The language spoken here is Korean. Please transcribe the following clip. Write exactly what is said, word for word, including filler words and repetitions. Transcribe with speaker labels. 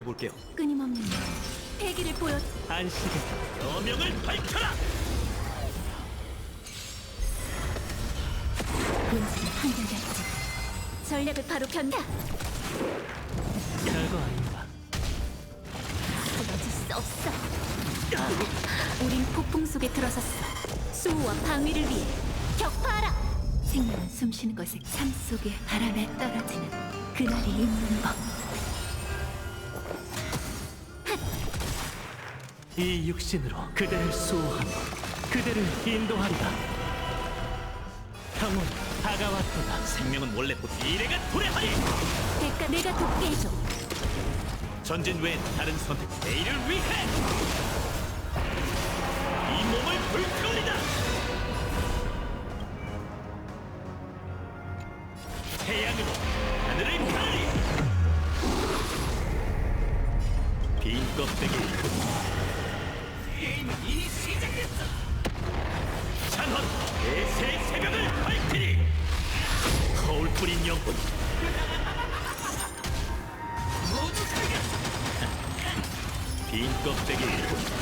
Speaker 1: 볼게요.
Speaker 2: 끊임없는 패기를 보여.
Speaker 1: 안식의 여명을 밝혀라.
Speaker 2: 본질은 한결같지. 전략을 바로 변다.
Speaker 1: 별거 아닙니다.
Speaker 2: 쓰러질 수 없어. 우린 폭풍 속에 들어섰어. 수호와 방위를 위해 격파하라. 생명은 숨쉬는 것에 삶 속에 바람에 떨어지는 그날이 있는 법.
Speaker 1: 이 육신으로 그대를 수호하며 그대를 인도하리라. 형은 다가왔도다. 생명은 원래 곧 미래가 도래하리.
Speaker 2: 대가 내가 돕게 해줘.
Speaker 1: 전진 외엔 다른 선택. 내일을 위해 이 몸을 불태우리다. 태양으로 하늘을 가르리. 빈 껍데기. 게임은 이미 시작됐어. 찬헌 대세 새벽을 밝히리. 거울 뿌린 영혼 모두 살겠어. 빈 껍데기.